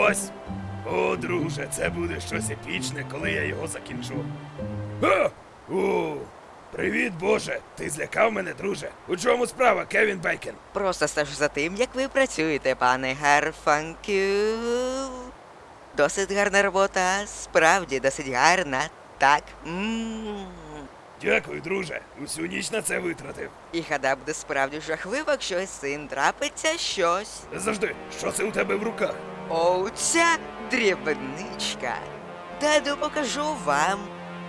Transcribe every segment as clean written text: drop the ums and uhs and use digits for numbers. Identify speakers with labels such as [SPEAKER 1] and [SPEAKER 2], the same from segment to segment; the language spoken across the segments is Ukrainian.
[SPEAKER 1] ось. О, друже, це буде щось епічне, коли я його закінчу. О! О! Привіт, Боже! Ти злякав мене, друже. У чому справа, Кевін Бейкен?
[SPEAKER 2] Просто стежу за тим, як ви працюєте, пане Гарфанкю. Досить гарна робота, справді досить гарна. Так.
[SPEAKER 1] Дякую, друже. Усю ніч на це витратив.
[SPEAKER 2] І гадав, буде справді жахливо, якщо із цим трапиться щось.
[SPEAKER 1] Завжди, що це у тебе в руках?
[SPEAKER 2] О, ця дрібничка. Даду покажу вам.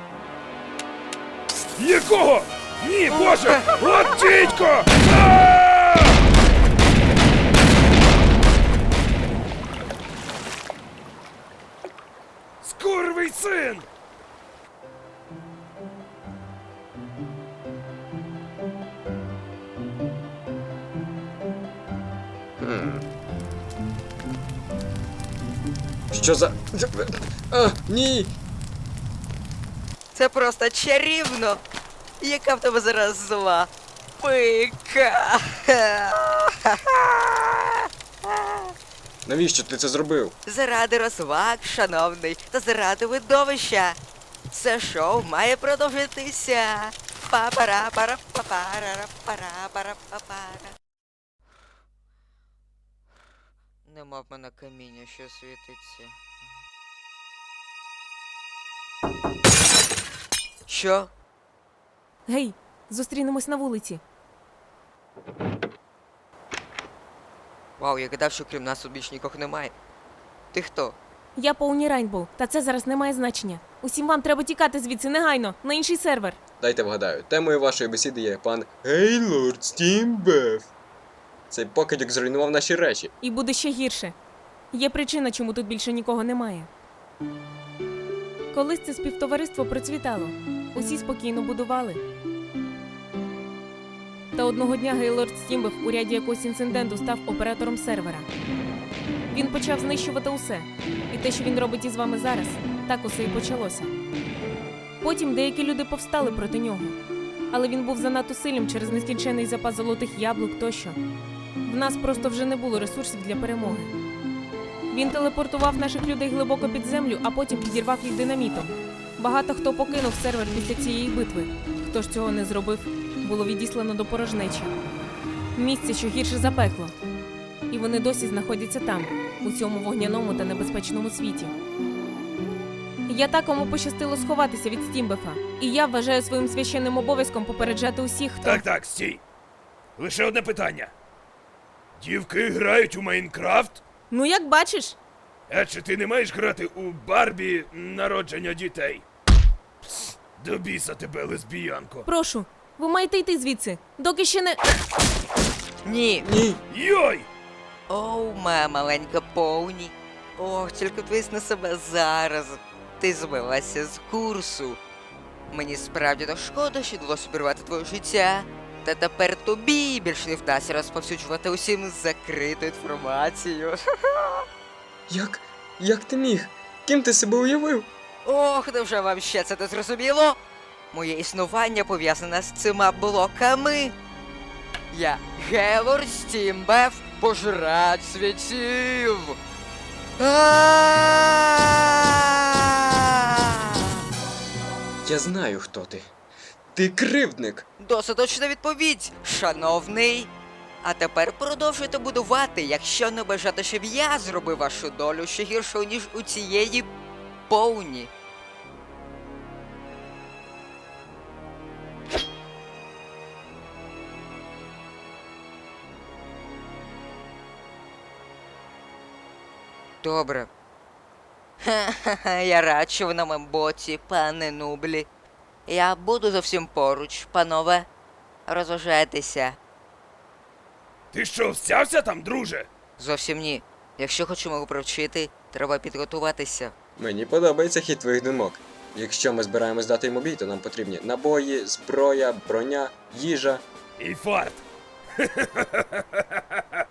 [SPEAKER 1] Якого? Ні, Боже! От дідько! А! Скурвий син!
[SPEAKER 3] Що за... А, ні!
[SPEAKER 2] Це просто чарівно. Яка в тебе зараз зла пика.
[SPEAKER 3] Навіщо ти це зробив?
[SPEAKER 2] Заради розваг, шановний, та заради видовища. Це шоу має продовжитися. Па-пара-пара-па-пара-пара-пара-пара. Нема в мене каміння, що світиться. Що?
[SPEAKER 4] Гей, зустрінемось на вулиці.
[SPEAKER 2] Вау, я гадав, що крім нас тут більш нікого немає. Ти хто?
[SPEAKER 4] Я Поуні Райнбоу, та це зараз не має значення. Усім вам треба тікати звідси негайно, на інший сервер.
[SPEAKER 3] Дайте вгадаю, темою вашої бесіди є пан Гейлорд Стімбеф. Цей покидьок зруйнував наші речі.
[SPEAKER 4] І буде ще гірше. Є причина, чому тут більше нікого немає. Колись це співтовариство процвітало. Усі спокійно будували. Та одного дня Гейлорд Стімбеф у ряді якогось інциденту став оператором сервера. Він почав знищувати усе. І те, що він робить із вами зараз, так усе і почалося. Потім деякі люди повстали проти нього. Але він був занадто сильним через нескінчений запас золотих яблук тощо. В нас просто вже не було ресурсів для перемоги. Він телепортував наших людей глибоко під землю, а потім підірвав їх динамітом. Багато хто покинув сервер після цієї битви. Хто ж цього не зробив, було відіслано до порожнечі. Місце, що гірше за пекло. І вони досі знаходяться там, у цьому вогняному та небезпечному світі. Я так, кому пощастило сховатися від Стімбефа. І я вважаю своїм священним обов'язком попереджати усіх, хто...
[SPEAKER 1] Так, стій. Лише одне питання. Дівки грають у Майнкрафт?
[SPEAKER 4] Ну, як бачиш.
[SPEAKER 1] А чи ти не маєш грати у Барбі народження дітей? Пс, до біса тебе, лесбіянко.
[SPEAKER 4] Прошу, ви маєте йти звідси, доки ще не...
[SPEAKER 2] Ні.
[SPEAKER 3] Ні!
[SPEAKER 1] Йой!
[SPEAKER 2] Оу, моя маленька Поуні. Ох, тільки дивись на себе зараз. Ти збилася з курсу. Мені справді то шкода, що вдалося обірвати твоє життя. Та тепер тобі більше не вдасться розповсюджувати усім закриту інформацію.
[SPEAKER 3] Як ти міг? Ким ти себе уявив?
[SPEAKER 2] Ох, невже вам ще це не зрозуміло? Моє існування пов'язане з цими блоками. Я Гейлорд Стімбеф, пожирач світів.
[SPEAKER 3] Я знаю, хто ти. Ти кривдник!
[SPEAKER 2] Досить точна відповідь, шановний. А тепер продовжуйте будувати, якщо не бажати, щоб я зробив вашу долю ще гіршою, ніж у цієї Поуні. Добре. Ха-ха-ха, я рад, що ви на моєму боці, пане Нублі. Я буду зовсім поруч, панове. Розважайтеся.
[SPEAKER 1] Ти що, всявся там, друже?
[SPEAKER 2] Зовсім ні. Якщо хочемо провчити, треба підготуватися.
[SPEAKER 3] Мені подобається хід твоїх думок. Якщо ми збираємось дати йому бій, то нам потрібні набої, зброя, броня, їжа.
[SPEAKER 1] І фарт.